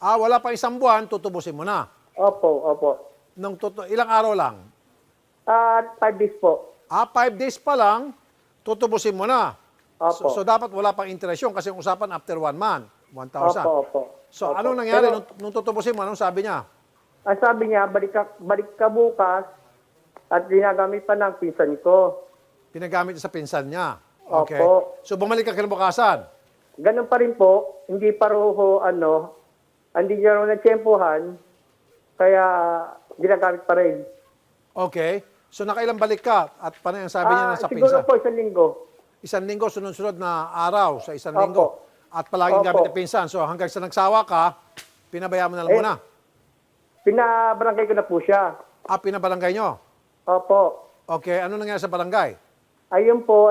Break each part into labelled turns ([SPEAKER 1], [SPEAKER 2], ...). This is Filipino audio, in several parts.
[SPEAKER 1] Wala pa isang buwan, tutubusin mo na.
[SPEAKER 2] Opo, opo.
[SPEAKER 1] Ilang araw lang?
[SPEAKER 2] 5 days po.
[SPEAKER 1] 5 days pa lang, tutubusin mo na.
[SPEAKER 2] Opo.
[SPEAKER 1] So dapat wala pang interest yun kasi ang usapan after 1 month, 1,000.
[SPEAKER 2] Opo, opo.
[SPEAKER 1] So
[SPEAKER 2] Opo.
[SPEAKER 1] anong nangyari
[SPEAKER 2] Pero,
[SPEAKER 1] nung tutubusin mo? Anong sabi niya?
[SPEAKER 2] ang sabi niya, balik ka bukas at ginagamit pa ng pinsan ko.
[SPEAKER 1] Pinagamit niya sa pinsan niya. Okay.
[SPEAKER 2] Opo.
[SPEAKER 1] So bumalik ka kinabukasan.
[SPEAKER 2] Ganun pa rin po, hindi pa roho, hindi niya raw natsyempohan, kaya ginagamit pa rin.
[SPEAKER 1] Okay. So nakailang balik ka at paano yung sabi niya na sa
[SPEAKER 2] Siguro
[SPEAKER 1] pinsan?
[SPEAKER 2] po, 1 linggo.
[SPEAKER 1] 1 linggo, sunod-sunod na araw sa 1
[SPEAKER 2] Opo.
[SPEAKER 1] linggo. At palaging
[SPEAKER 2] Opo.
[SPEAKER 1] gamit ng pinsan. So hanggang sa nagsawa ka, pinabayaan mo na lang muna.
[SPEAKER 2] Pinabarangay ko na po siya.
[SPEAKER 1] Pinabarangay nyo.
[SPEAKER 2] Opo.
[SPEAKER 1] Okay. Ano nangyari sa barangay?
[SPEAKER 2] Ayun po,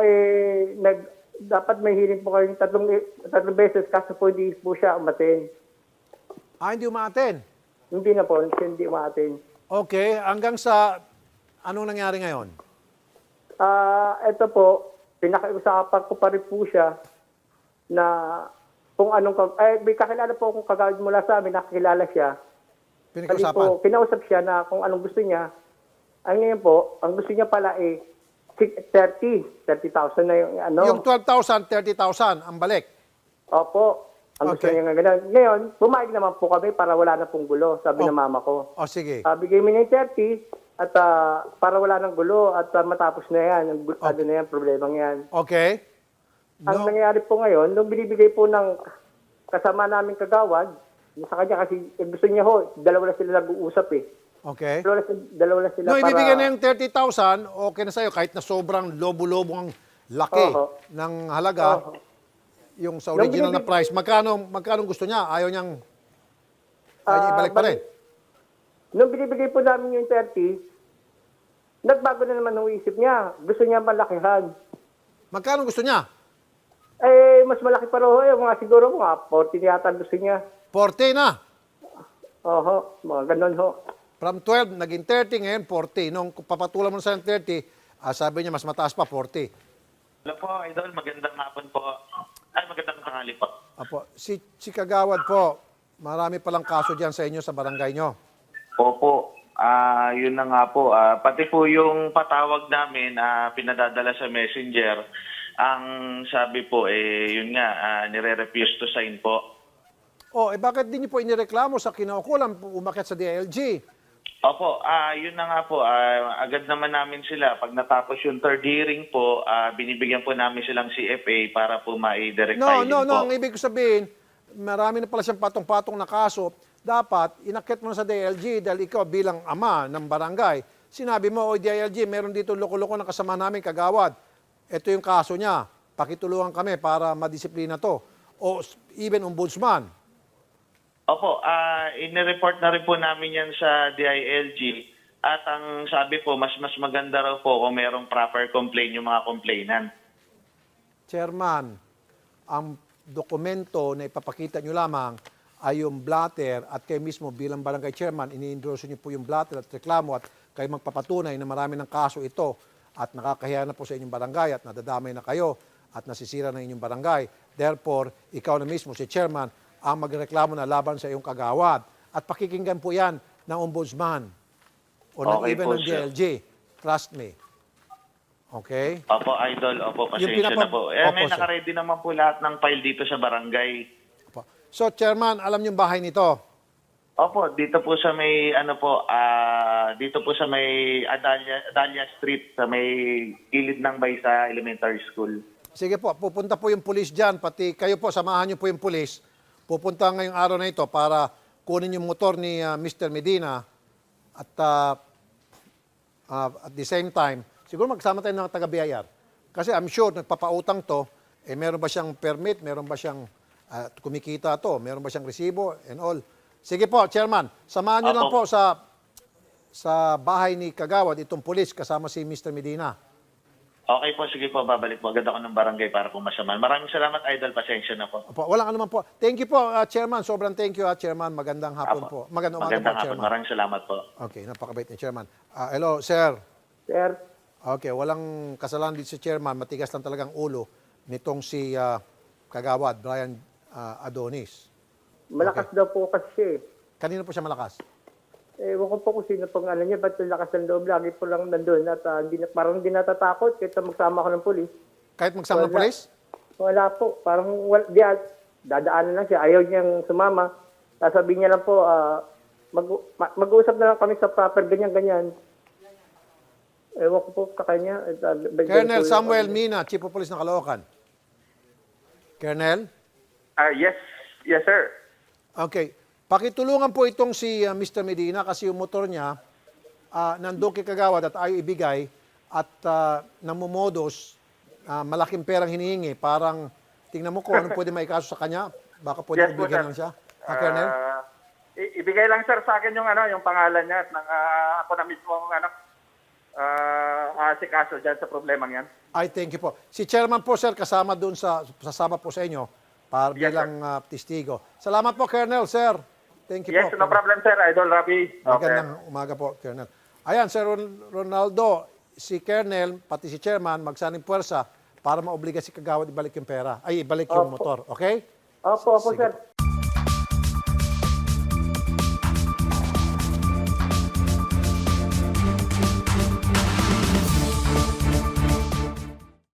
[SPEAKER 2] dapat may hearing po kayong tatlong beses kaso po hindi po siya umaten.
[SPEAKER 1] Hindi umaaten.
[SPEAKER 2] Hindi na po, hindi umaten.
[SPEAKER 1] Okay. Hanggang sa, anong nangyari ngayon?
[SPEAKER 2] Ito po, pinakiusapan ko pa rin po siya na kung may kakilala po akong kagawad mula sa amin, nakakilala siya. Kasi
[SPEAKER 1] Pinag-usapan?
[SPEAKER 2] po, kinausap siya na kung anong gusto niya. Ang ngayon po, ang gusto niya pala 30,000 na yung
[SPEAKER 1] Yung 12,000, 30,000 ang balik.
[SPEAKER 2] Opo. Ang gusto
[SPEAKER 1] Okay.
[SPEAKER 2] niya nga ganun. Ngayon, pumayag naman po kami para wala na pong gulo, sabi ng mama ko.
[SPEAKER 1] Sige.
[SPEAKER 2] Bigay mo niya yung 30 at para wala ng gulo at matapos na yan. Ano na yan, problemang yan.
[SPEAKER 1] Okay.
[SPEAKER 2] Ang nangyayari po ngayon, nung binibigay po ng kasama namin kagawad, sa kanya kasi gusto niya dalawa na sila nag-uusap eh.
[SPEAKER 1] Okay.
[SPEAKER 2] Dalawa na sila
[SPEAKER 1] No,
[SPEAKER 2] para...
[SPEAKER 1] ibibigay na yung 30,000, okay na sa'yo kahit na sobrang lobo-lobo ang laki ng halaga.
[SPEAKER 2] Oho.
[SPEAKER 1] Yung sa original na price, magkano gusto niya? Ayaw niya ibalik pa rin.
[SPEAKER 2] Nung binibigay po namin yung 30, nagbago na naman ang isip niya. Gusto niya malakihan.
[SPEAKER 1] Magkano gusto niya?
[SPEAKER 2] Mas malaki pa rin. Siguro mga 40 yata gusto niya.
[SPEAKER 1] 40 na.
[SPEAKER 2] Oho, mga ganun ho.
[SPEAKER 1] From 12, naging 30, ngayon 40. Nung papatulan mo na sa 30, sabi niya mas mataas pa, 40.
[SPEAKER 3] Hello po, Idol. Magandang hapon po. Magandang tanghali po.
[SPEAKER 1] Si Kagawad po, marami palang kaso dyan sa inyo sa barangay nyo.
[SPEAKER 3] Opo, yun na nga po. Pati po yung patawag namin, pinadadala sa messenger, ang sabi po, yun nga, nire-refuse to sign po.
[SPEAKER 1] Bakit di niyo po inireklamo sa kinaukulan, umakyat sa DILG?
[SPEAKER 3] Opo, yun na nga po. Agad naman namin sila. Pag natapos yung third hearing po, binibigyan po namin silang CFA para po ma-direct filing po.
[SPEAKER 1] No. Ang ibig ko sabihin, marami na pala siyang patong-patong na kaso. Dapat, inakyat mo na sa DILG dahil ikaw bilang ama ng barangay. Sinabi mo, DILG, meron dito loko-loko na kasama namin kagawad. Ito yung kaso niya. Pakitulungan kami para madisiplina to. O even ombudsman.
[SPEAKER 3] Opo, inireport na rin po namin yan sa DILG. At ang sabi po, mas maganda raw po kung merong proper complaint yung mga complainant.
[SPEAKER 1] Chairman, ang dokumento na ipapakita nyo lamang ay yung blatter at kayo mismo bilang barangay chairman, ini-endorse nyo po yung blatter at reklamo at kayo magpapatunay na marami ng kaso ito at nakakahiya na po sa inyong barangay at nadadamay na kayo at nasisira na inyong barangay. Therefore, ikaw na mismo, si chairman, ang magreklamo na laban sa iyong kagawad. At pakikinggan po yan ng ombudsman o
[SPEAKER 3] Okay
[SPEAKER 1] even
[SPEAKER 3] po,
[SPEAKER 1] ng
[SPEAKER 3] sir.
[SPEAKER 1] DLG. Trust me. Okay?
[SPEAKER 3] Opo, Idol. Opo, pasensya na po.
[SPEAKER 1] Opo,
[SPEAKER 3] May
[SPEAKER 1] sir.
[SPEAKER 3] nakaredy naman po lahat ng file dito sa barangay.
[SPEAKER 1] Opo. So, chairman, alam niyo yung bahay nito?
[SPEAKER 3] Opo, dito po sa may dito po sa may Adalia Street sa may gilid ng Baysa Elementary School.
[SPEAKER 1] Sige po, pupunta po yung pulis dyan. Pati kayo po, samahan niyo po yung pulis. Pupunta ngayong araw na ito para kunin yung motor ni Mr. Medina at at the same time, siguro magsama tayo ng taga-BIR. Kasi I'm sure, nagpapautang to, meron ba siyang permit, meron ba siyang kumikita to, meron ba siyang resibo and all. Sige po, Chairman, samahan niyo lang po sa bahay ni Kagawad, itong pulis kasama si Mr. Medina.
[SPEAKER 3] Okay po, sige po, babalik po agad ako ng barangay para po masaman. Maraming salamat, Idol. Pasensya na po.
[SPEAKER 1] Opo, walang anuman po. Thank you po, Chairman. Sobrang thank you, Chairman. Magandang hapon po. Magandang umaga po,
[SPEAKER 3] Magandang hapon.
[SPEAKER 1] Chairman.
[SPEAKER 3] Maraming salamat po.
[SPEAKER 1] Okay, napakabait ni Chairman. Hello, sir.
[SPEAKER 2] Sir,
[SPEAKER 1] Okay, walang kasalanan dito si Chairman. Matigas lang talagang ulo nitong si Kagawad, Brian Adonis.
[SPEAKER 2] Malakas daw po kasi siya eh.
[SPEAKER 1] Kanino po siya malakas?
[SPEAKER 2] Ewan ko po kung sino pong ano niya, ba't yung lakas ng loob, lagi po lang nandun at parang hindi natatakot kahit magsama ko ng polis.
[SPEAKER 1] Kahit magsama ng
[SPEAKER 2] Wala.
[SPEAKER 1] polis?
[SPEAKER 2] Wala po, parang dadaanan lang siya, ayaw niyang sumama. Sasabihin niya lang po, mag-uusap na lang kami sa proper, ganyan-ganyan. Ewan ko po kakanya.
[SPEAKER 1] Colonel Samuel Mina, Chief of Police ng Caloocan. Colonel?
[SPEAKER 4] Yes, yes sir.
[SPEAKER 1] Okay. Pakitulungan po itong si Mr. Medina kasi yung motor niya nandun kay Kagawad at ayaw ibigay at namumodos, malaking perang hinihingi. Parang tingnan mo kung ano pwede maikaso sa kanya. Baka pwede
[SPEAKER 4] Yes po,
[SPEAKER 1] ibigyan
[SPEAKER 4] sir.
[SPEAKER 1] lang siya. Colonel?
[SPEAKER 4] Ibigay lang sir sa akin yung pangalan niya at ako na mismo ang asikaso dyan sa problemang yan.
[SPEAKER 1] I thank you po. Si Chairman po, sir, kasama doon sasama po sa inyo para
[SPEAKER 4] Yes,
[SPEAKER 1] bilang testigo. Salamat po, Colonel, sir. Thank you
[SPEAKER 4] Yes,
[SPEAKER 1] po.
[SPEAKER 4] no problem sir, Idol Rafi. Okay.
[SPEAKER 1] Magandang umaga po, Colonel. Ayan, Sir Ronaldo, si Colonel, pati si Chairman, magsaning puwersa para maobliga si Kagawad ibalik yung pera. Ay, ibalik yung motor. Okay?
[SPEAKER 2] Opo,
[SPEAKER 1] Sige
[SPEAKER 2] sir.
[SPEAKER 1] po.